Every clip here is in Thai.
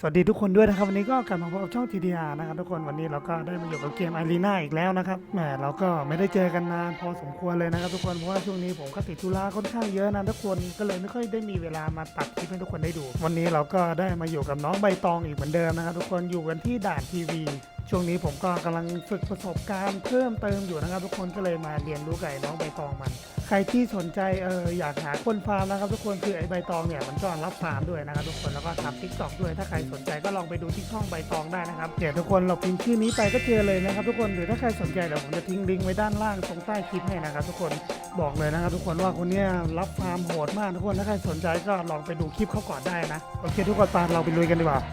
สวัสดีทุกคนด้วยนะครับวันนี้ก็กลับมาพบกับช่อง TDR นะครับทุกคนวันนี้เราก็ได้มาอยู่กับเกม Arena อีกแล้วนะครับแหมเราก็ไม่ได้เจอกันนานพอสมควรเลยนะครับทุกคนเพราะว่าช่วงนี้ผมก็ติดธุระค่อนข้างเยอะนะทุกคนก็เลยไม่ค่อยได้มีเวลามาตัดคลิปให้ทุกคนได้ดูวันนี้เราก็ได้มาอยู่กับน้องใบตองอีกเหมือนเดิมนะครับทุกคนอยู่กันที่ด่านทีวีช่วงนี้ผมก็กำลังฝึกประสบการณ์เพิ่มเติมอยู่นะครับทุกคนก็เลยมาเรียนรู้กับน้องใบตองมันใครที่สนใจอยากหาคนฟาร์มนะครับทุกคนคือไอ้ใบตองเนี่ยมันก็รับฟาร์มด้วยนะครับทุกคนแล้วก็ทำ TikTok ด้วยถ้าใครสนใจก็ลองไปดูที่ช่องใบตองได้นะครับเดี๋ยวทุกคนเราพิมพ์ชื่อนี้ไปก็เจอเลยนะครับทุกคนหรือถ้าใครสนใจเดี๋ยวผมจะทิ้งลิงก์ไว้ด้านล่างตรงใต้คลิปให้นะครับทุกคนบอกเลยนะครับทุกคนว่าคนเนี้ยรับฟาร์มโหดมากทุกคนถ้าใครสนใจก็ลองไปดูคลิปเขาก่อนได้นะโอเคทุกคนปาเราไปลุยกันดีกว่า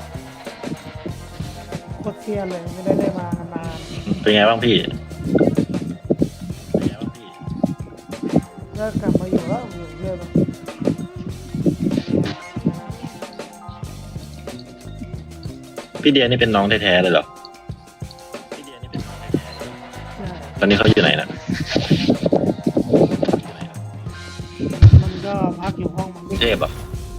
โคตรเซียนเลยไม่ได้เล่นมานานเป็นไงบ้างพี่ก็กลับมาอยู่แล้วอยู่เรื่อยมาพี่เดียนี่เป็นน้องแท้ๆเลยเหรอใช่ตอนนี้เขาอยู่ไหนนะมันก็พักอยู่ห้องมันเทพเหรอ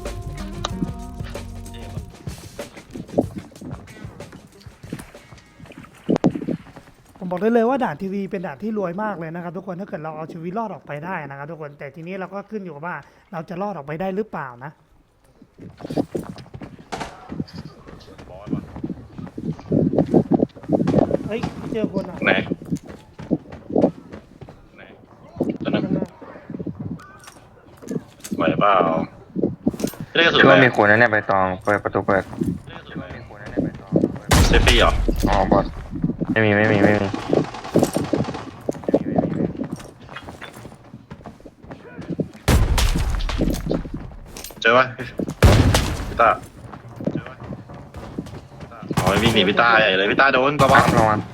ผมบอกได้เลยว่าด่านทีวีเป็นด่านที่รวยมากเลยนะครับทุกคนถ้าเกิดเราเอาชีวิตรอดออกไปได้นะครับทุกคนแต่ทีนี้เราก็ขึ้นอยู่กับว่าเราจะรอดออกไปได้หรือเปล่านะเฮ้ยเจอคนอ่ะไหนตอนนั้นไหวเปล่าไม่ได้กระสุนคิดอะไรว่ามีคนนั่นเนี่ยใบตองเปิดประตูเปิดเซฟฟี่เหรออ๋อบอสไม่มีเจอปะพี่ตาอ๋อวิ่งหนีพี่ตาใหญ่เลยพี่ตาโดนระวังระวัง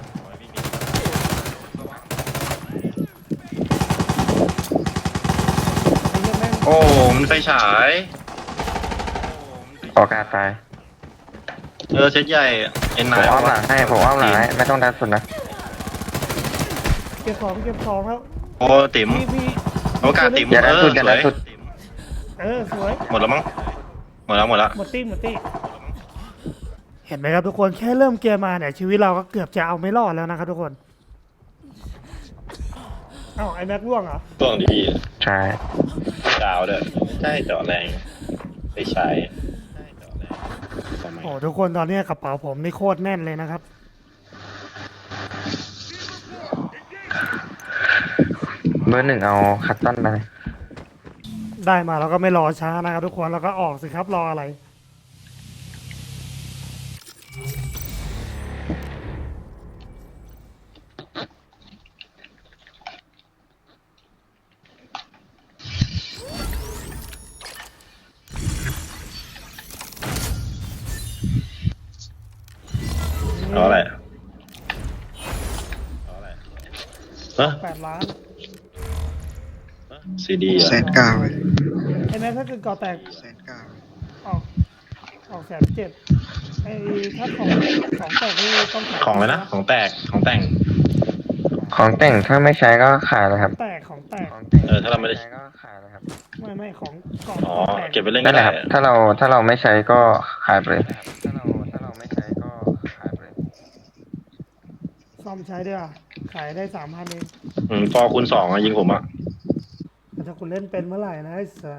ไอ้เหี้ยแม่งโอ้มันไฟฉายออกการตายเซตใหญ่เอ็นผนาม ยอ้อมหลังให้ผมอ้อมหลังให้ไม่ต้องดันสุดนะเก็บของแล้วโอ้ติ๋มพี่โอกาสติ๋มอย่าดันสุดอย่าดันสุดสวยหมดแล้วมั้งหมดแล้วหมดตี้เห็นไหมครับทุกคนแค่เริ่มเกมมาเนี่ยชีวิตเราก็เกือบจะเอาไม่รอดแล้วนะครับทุกคนเอ้าไอ้แม็กร่วงเหรอช่วงดีใช่ดาวด้วยไม่ใช่เจาะแรงไปใช้ทำไมโอ้ทุกคนตอนนี้กระเป๋าผมนี่โคตรแน่นเลยนะครับเบอร์หนึ่งเอาคัตตันไปได้มาเราก็ไม่รอช้านะครับทุกคนเราก็ออกสิครับรออะไรเอาอะไรเฮ้ย 8 ล้านซีดีแสนเก้าเลยไอ้แม็กถ้าเกิดก่อแตกแสนเก้าออก1,700,000ไอ้ถ้าของแตกนี่ต้องขายของเลยนะของแตกของแต่งของแต่งถ้าไม่ใช้ก็ขายเลยครับของแตกถ้าเราไม่ได้ใช้ก็ขายเลยครับไม่ของกล่องอ๋อแตกเก็บไปเล่นนั่ก็นแหได้ละครับถ้าเราไม่ใช้ก็ขายไปเลยถ้าเราไม่ใช้ก็ขายไปเลยซ่อมใช้ด้วยอ่ะขายได้3,000เองฟอคูณ 2ยิงผมอ่ะแต่ถ้าคุณเล่นเป็นเมื่อไหร่นะไอ้สั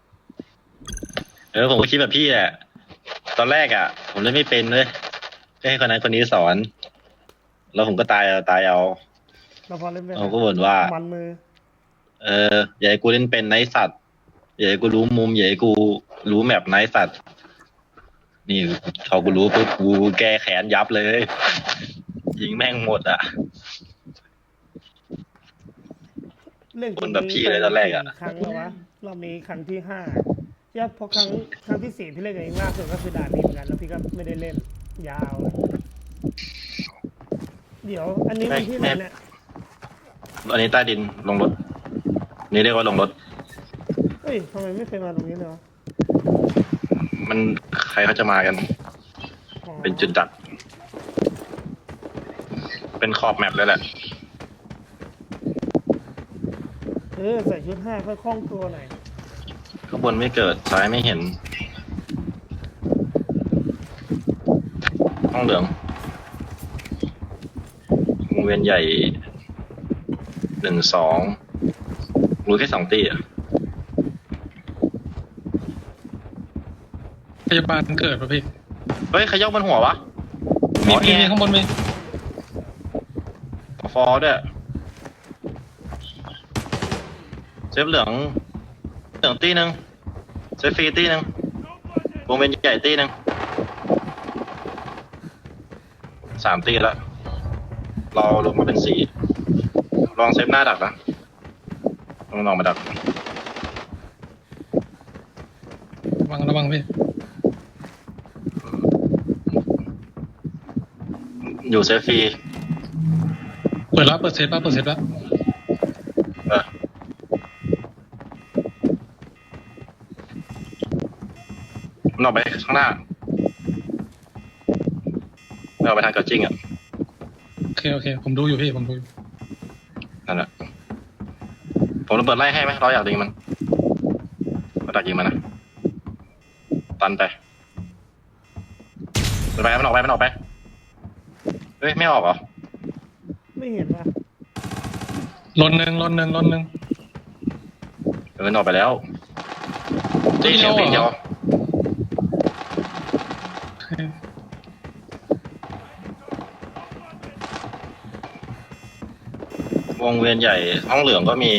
สผมก็คิดแบบพี่แหละตอนแรกอ่ะ ผมเล่นไม่เป็นเลยให้คนนั้นคนนี้สอน แล้วผมก็ตายเอาเราพอเล่นเป็นผมก็บ่นว่ามันมืออย่าให้กูเล่นเป็นไนท์สัตว์อย่าให้กูรู้มุมอย่าให้กูรู้แมปไนท์สัตว์นี่พอกูรู้ปุ๊บกูแก้แขนยับเลย ยิงแม่งหมดอ่ะเล่นคนแบบพี่เลยตอนแรกอะครั้งแล้ววะเรามีครั้งที่5ย่าพอครั้งที่4พี่เล่นกับเองล่าสุดก็คือด่านนี้เหมือนกันแล้วพี่ก็ไม่ได้เล่นยาวเลยเดี๋ยวอันนี้มันที่ไหนเนี่ยอันนี้ใต้ดินลงรถ นี่เรียกว่าลงรถเฮ้ยทำไมไม่เคยมาตรงนี้เลยวะมันใครเขาจะมากันอ๋อเป็นจุดดัก เป็นขอบแมปเลยแหละใส่ชุด5ค่อยคล่องตัวหน่อยข้างบนไม่เกิดซ้ายไม่เห็นห้องเหลืองวงเวียนใหญ่1 2รู้แค่2 ตีอ่ะพยาบาลเกิดป่ะพี่เฮ้ยใครยกบนหัววะมีแอข้างบนมีฟอร์ด้วยเซฟเหลืองตีหนึ่งเซฟฟรีตีหนึ่งวงเวียนใหญ่ตีหนึ่ง3 ตีแล้วเราลงมาเป็น4ลองเซฟหน้าดักนะลองมาดักระวังพี่อยู่เซฟฟรีเปิดเซฟแล้วเออมันออกไปข้างหน้าไม่ออกไปทางเกาจิ้งอ่ะโอเคผมดูอยู่พี่ผมดูอยู่นั่นแหละผมระเบิดไล่ให้ไหมเราอยากยิงมันเราอยากยิงมันนะตันไปมันออกไปเฮ้ยไม่ออกเหรอไม่เห็นว่ะลนหนึ่งมันออกไปแล้วตีเสียงปีนเดียววงเวียนใหญ่ห้องเหลืองก็มี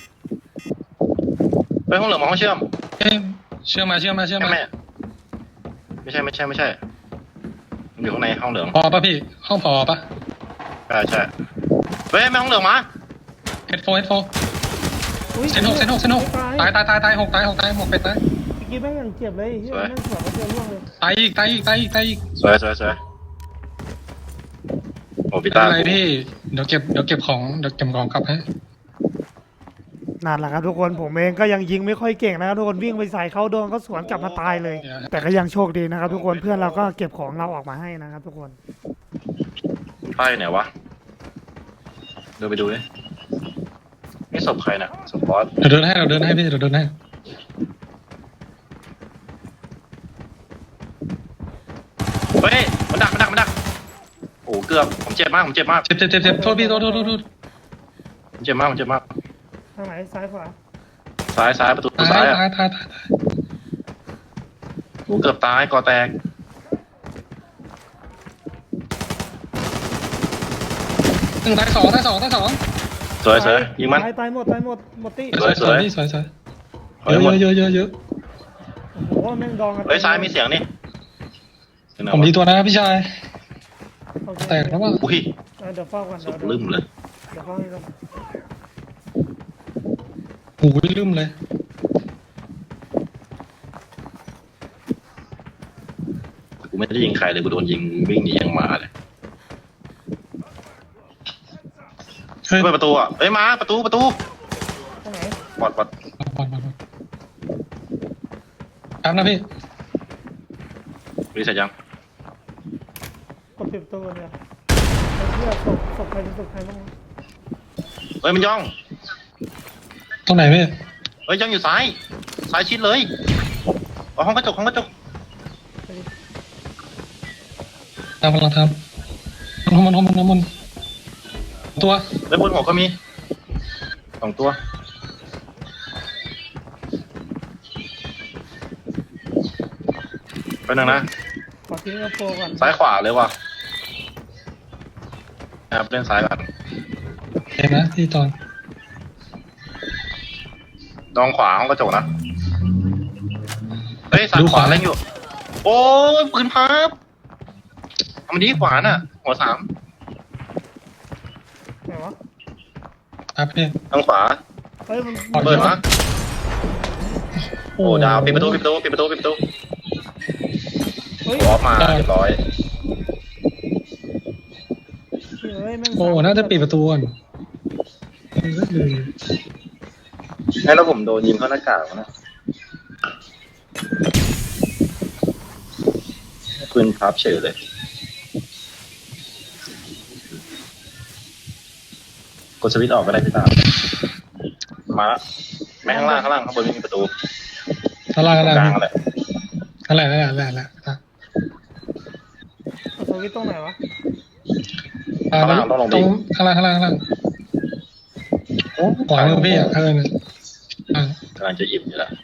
ไปห้องเหลืองมาห้องเชื่อมเอ้ยเชื่อมาใช่ไหมไม่ใช่มันอยู่ข้างในห้องเหลืองพอป่ะพี่ห้องพอป่ะใช่เฮ้ยไม่ห้องเหลืองมาเฮดโฟอุ้ยเซนหกตายหกเป็ดตายเมื่อกี้แม่งยังเจ็บเลยเฮ้ยแม่งสวนมาเจอร่วงเลยตายอีกสวยโอ้พี่ไม่ตาเป็นไรพี่เดี๋ยวเก็บของกลับให้นั่นแหละครับทุกคนผมเองก็ยังยิงไม่ค่อยเก่งนะครับทุกคนวิ่งไปใส่เขาโดนก็สวนกลับมาตายเลย แต่ก็ยังโชคดีนะครับทุกคนเพื่อนเราก็เก็บของเราออกมาให้นะครับทุกคนป้ายไหนวะเดินไปดูดินี่ศพใครน่ะศพบอสเดี๋ยวเดินให้พี่เดี๋ยวเดินให้เฮ้ยมันดักโอ้เกือบผมเจ็บมากเจ็บโทษพี่โทษผมเจ็บมากทางไหนซ้ายขวาซ้ายประตูซ้ายอ่ะโอ้เกือบตายก่อแตกตายสองสวยยิงมันตายหมดตี้สวยสวยเยอะโอ้โหแม่งดองกันเฮ้ยซ้ายมีเสียงนี่ผมดีตัวนะพี่ชายโอเคแตกแล้วว่าอุ้ยเดี๋ยวเฝ้ากันสุดลืมเลยเดี๋ยวเฝ้าให้กันหูยลืมเลยกูไม่ได้ยิงใครเลยกูโดนยิงวิ่งหนียังมาเลยเฮ้ยเปิดประตูอ่ะเฮ้ยมาประตูทางไหนบอดบอลครับนะพี่รีเสร็จยังกดปิดประตูเนี่ยไอ้เหี้ยศพใครบ้างวะเฮ้ยมันย่องตรงไหนพี่เฮ้ยย่องอยู่ซ้ายชิดเลยเอาห้องกระจกตามกำลังทำน้ำมันตัวแล้วบนหัวก็มี2 ตัวไปหนึ่งนะขอทิ้งกระโปรงก่อนซ้ายขวาเลยว่ะครับเล่นซ้ายก่อนเห็นนะที่ตอนดองขวาห้องกระจกนะเฮ้ยซ้ายขวาเล่นอยู่โอ้ยปืนพับเอามันดีขวาน่ะหัว3 ไหนวะครับพี่ทางขวาเฮ้ยมันเปิดมาโอ้ดาวปิดประตูเฮ้ยออกมาเรียบร้อยเฮ้ยแม่งโอ้น่าจะปิดประตูก่อนให้แล้วผมโดนยิงเข้าหน้ากากนะปืนพับเฉยเลยกดสวิตช์ออกก็ได้พี่ตามาไม่ข้างล่างข้างบนไม่มีประตูอะไรกลางอะไรอะไรเอาสตัววิทย์ตรงไหนวะข้างล่างต้องลงไปตรงข้างล่างขวามือพี่อ่ะเนี่ยอ่ะกำลังจะอิ่มอยู่แล้ว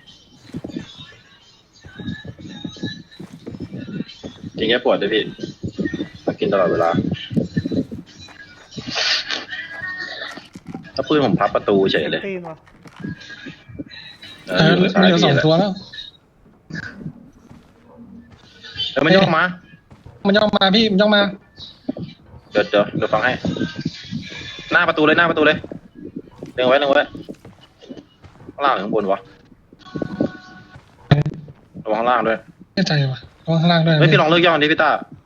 กินแค่ปวดด้วยพี่มากินตลอดเวลาถ้าปืนผมพับประตูเฉยเลยตีนวะอยู่เหลือสองตัวแล้วมันย่องมามันย่องมาพี่มันย่องมาเดี๋ยวฟังให้ หน้าประตูเลยเล็งไว้ข้างล่างหรือข้างบนวะระวังข้างล่างด้วยแน่ใจว่ะระวังข้างล่างด้วยนะเฮ้ยพี่ลองเลิกย่องดิพี่ตา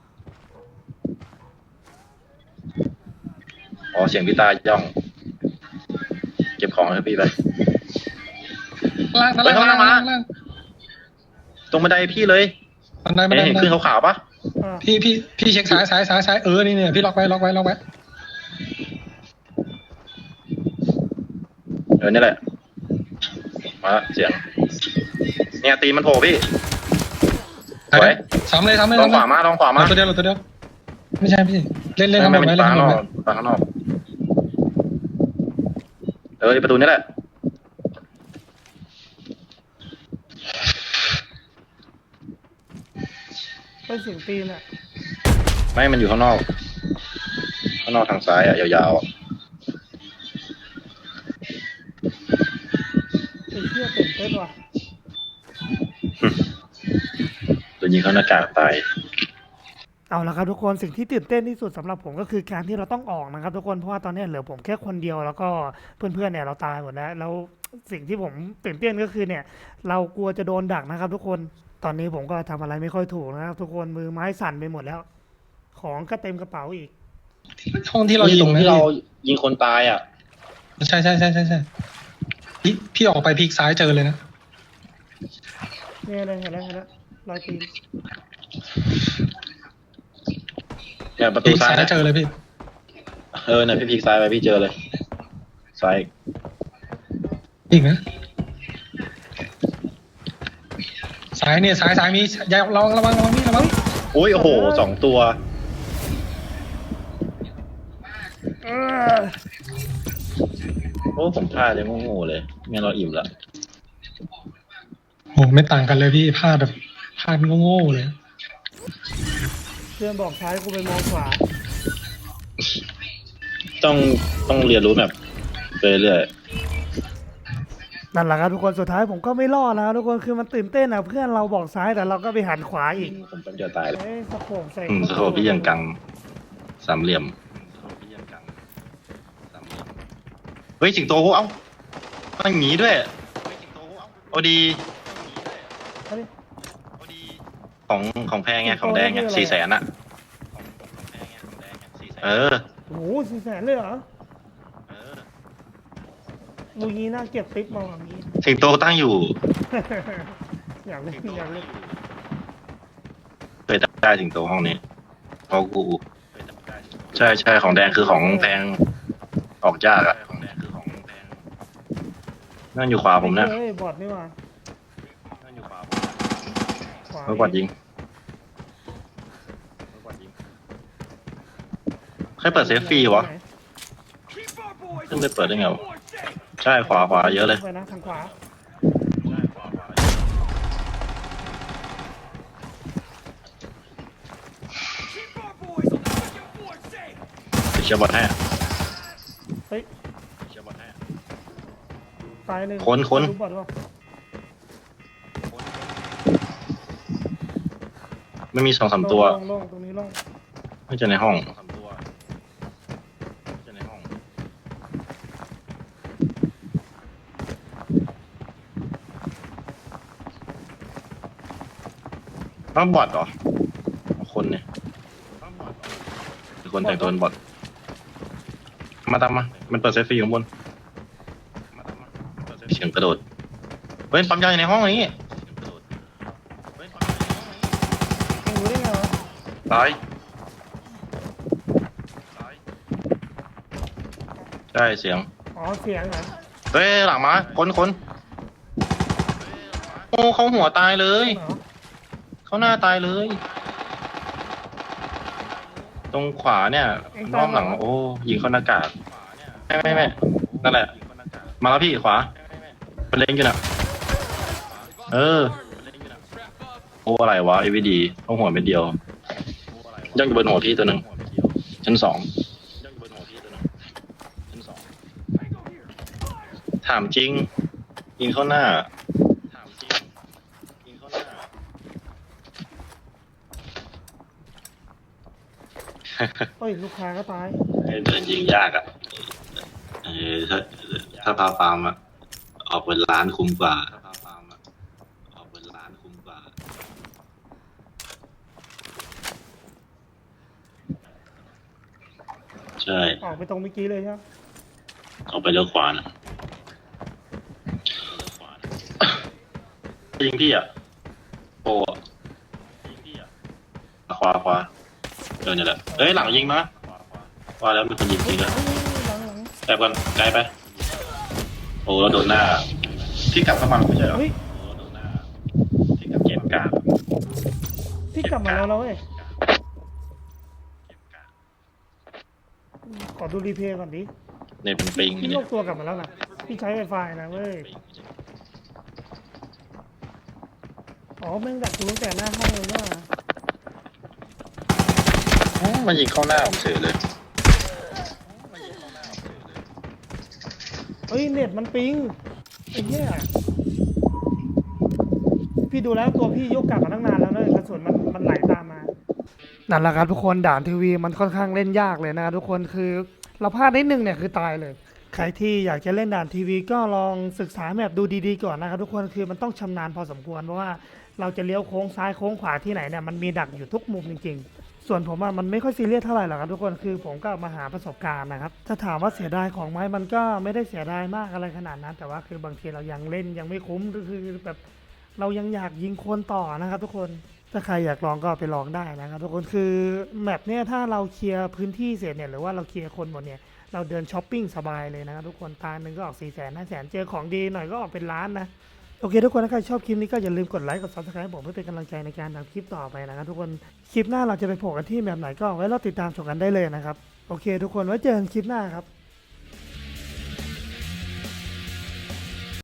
อ๋อเสียงพี่ตาย่อง เก็บของให้พี่ไปข้างล่างเฮ้ยข้างล่างมา ตรงบันไดพี่เลยบันไดบันไดเห็นขึ้นขาวๆปะอ่าพี่เช็คซ้ายนี่เนี่ยพี่ล็อกไว้นี่แหละมาละเสียงเนี่ยตีมันโผล่พี่สวยซ้ำเลยลองขวามาตัวเดียวไม่ใช่พี่เล่นไม่ทำไม่ไว้ปาเล่นข้างทำนอไว้กปาข้างนอกประตูนี่แหละเป็นเสียงตีนอ่ะไม่มันอยู่ข้างนอกทางซ้ายอ่ะยาวๆอ่ะไอ้เชี่ยตื่นเต้นว่ะตัวยิงเข้าหน้ากากตายเอาละครับทุกคนสิ่งที่ตื่นเต้นที่สุดสำหรับผมก็คือการที่เราต้องออกนะครับทุกคนเพราะว่าตอนนี้เหลือผมแค่คนเดียวแล้วก็เพื่อนๆเนี่ยเราตายหมดแล้วสิ่งที่ผมตื่นเต้นก็คือเนี่ย เรากลัวจะโดนดักนะครับ ทุกคนตอนนี้ผมก็ทำอะไรไม่ค่อยถูกนะครับทุกคนมือไม้สั่นไปหมดแล้ว ของก็เต็มกระเป๋าอีกห้องที่เราอยู่ตรงนั้นที่เรายิงคนตายอ่ะใช่พี่ออกไปพลิกซ้ายเจอเลยนะเนี่ยเลยเห็นแล้วรอยตีนเนี่ยประพตูลิกซ้าซ้าย ยเจอเลยพี่เนี่ยพี่พลิกซ้ายไปพี่เจอเลยซ้ายอีกนะซ้ายเนี่ยซ้ายมีอย่าระวังนี่ระวังโอ้ยโอ้โห2 ตัว โอ้ผมพลาดเลยโง่ๆเลยงั้นเราอิ่มละโอ้ไม่ต่างกันเลยพี่พลาดโง่เลยเพื่อนบอกซ้ายกูไปมองขวาต้องเรียนรู้แบบไปเรื่อยนั่นแหละครับทุกคนสุดท้ายผมก็ไม่รอดนะครับทุกคนคือมันตื่นเต้นอ่ะเพื่อนเราบอกซ้ายแต่เราก็ไปหันขวาอีกผมเป็นจะตายเลยเอ้ยสะโพกใส่สโคปพี่ยังกังสามเหลี่ยมเฮ้ยสิงโตเอ้ามันหนีด้วยโอดีของแพงไงของแดงไง400,000อ่ะเออโอ้โห400,000เลยเหรอมูงี้น่าเก็บติ๊บมาแบบนี้สิงโตตั้งอยู่อยากเล่นเคยได้สิงโตห้องนี้พอกูใช่ของแดงคือของแพงออกยากอ่ะนั่นอยู่ขวาผมนะเฮ้ยบอดนี่หว่านั่นอยู่ขวาขวาเมื่อกวาดยิงใครเปิดเซฟฟรีวะขึ้นไปเปิดได้ไงวะใช่ขวาเยอะเลยไปนะทางขวาเชียร์บอลให้เฮ้ยเชียร์บอลให้ตายหนึ่งคนรู้บอดวะไม่มี2-3 ตัวโล่งตรงนี้โล่งไม่เจอในห้องต้องบอทเหรอคนเนี่ยคนแต่งตัวเป็นบอทมาตามมามันเปิดเซฟฟรีข้างบนเสียงกระโดดเฮ้ยปั๊มยาอยู่ในห้องนี้มึงรู้ได้ไงวะตายใช่เสียงอ๋อเสียงเหรอเฮ้ยหลังมาคนโอ้เขาหัวตายเลยเหรอเขาหน้าตายเลยตรงขวาเนี่ยรอบหลังโอ้ยิงเข้าหน้ากากไม่นั่นแหละ มาแล้วพี่ขวาเป็นเล็งอยู่น่ะโอ้อะไรวะ AVD ต้องหัวเม็ดเดียวย่องอยู่บนหัวพี่ตัวหนึ่งชั้น 2ถามจริงยิงเข้าหน้าเฮ้ยลูกค้าก็ตายเดินยิงยากอ่ะถ้าพาฟาร์มอ่ะออกเป็นล้านคุ้มกว่าใช่ออกไปตรงเมื่อกี้เลยใช่ไหมออกไปเลี้ยวขวานะยิงพี่อ่ะโอ้ขวาเนี่ยแหละเอ้ยหลังยิงมาว่าแล้วมีคนยิงจริงแล้วหลังแต่ก่อนไกลไปโอ้เราโดนหน้าพี่กลับเข้ามาไม่ใช่เหรอเฮ้ยพี่กลับเกมกลางพี่กลับมาแล้วนะเว้ยขอดูรีเพย์ก่อนดิในเป็นปิงพี่เนี่ยยกตัวกลับมาแล้วนะพี่ใช้ไวไฟนะเว้ยอ๋อแม่งดักกูตั้งแต่หน้าห้องเลยว่ามันยิงเข้าหน้าผมเฉยเลยเฮ้ยเน็ตมันปิงไอ้เหี้ยพี่ดูแล้วตัวพี่ยกกลับมาตั้งนานแล้วเนอะกระสุนมันไหลตามมานั่นแหละครับทุกคนด่านทีวีมันค่อนข้างเล่นยากเลยนะครับทุกคนคือเราพลาดนิดนึงเนี่ยคือตายเลย ใครที่อยากจะเล่นด่านทีวีก็ลองศึกษาแมปดูดีๆก่อนนะครับทุกคนคือมันต้องชำนาญพอสมควรเพราะว่าเราจะเลี้ยวโค้งซ้ายโค้งขวาที่ไหนเนี่ยมันมีดักอยู่ทุกมุมจริงๆส่วนผมมันไม่ค่อยซีเรียสเท่าไหร่หรอกครับทุกคนคือผมก็มาหาประสบการณ์นะครับถ้าถามว่าเสียดายของไหมมันก็ไม่ได้เสียดายมากอะไรขนาดนั้น แต่ว่าคือบางทีเรายังเล่นยังไม่คุ้มคือแบบเรายังอยากยิงคนต่อนะครับทุกคนถ้าใครอยากลองก็ไปลองได้นะครับทุกคนคือแมปเนี่ยถ้าเราเคลียร์พื้นที่เสร็จเนี่ยหรือว่าเราเคลียร์คนหมดเนี่ยเราเดินช้อปปิ้งสบายเลยนะครับทุกคนตาหนึ่งก็ออก400,000-500,000เจอของดีหน่อยก็ออกเป็นล้านนะโอเคทุกคนถ้าใครชอบคลิปนี้ก็อย่าลืมกดไลค์กด Subscribe ให้ผมเพื่อเป็นกำลังใจในการทำคลิปต่อไปนะครับทุกคนคลิปหน้าเราจะไปโผล่กันที่แบบไหนก็ไว้เราติดตามชมกันได้เลยนะครับโอเคทุกคนไว้เจอกันคลิปหน้าครับ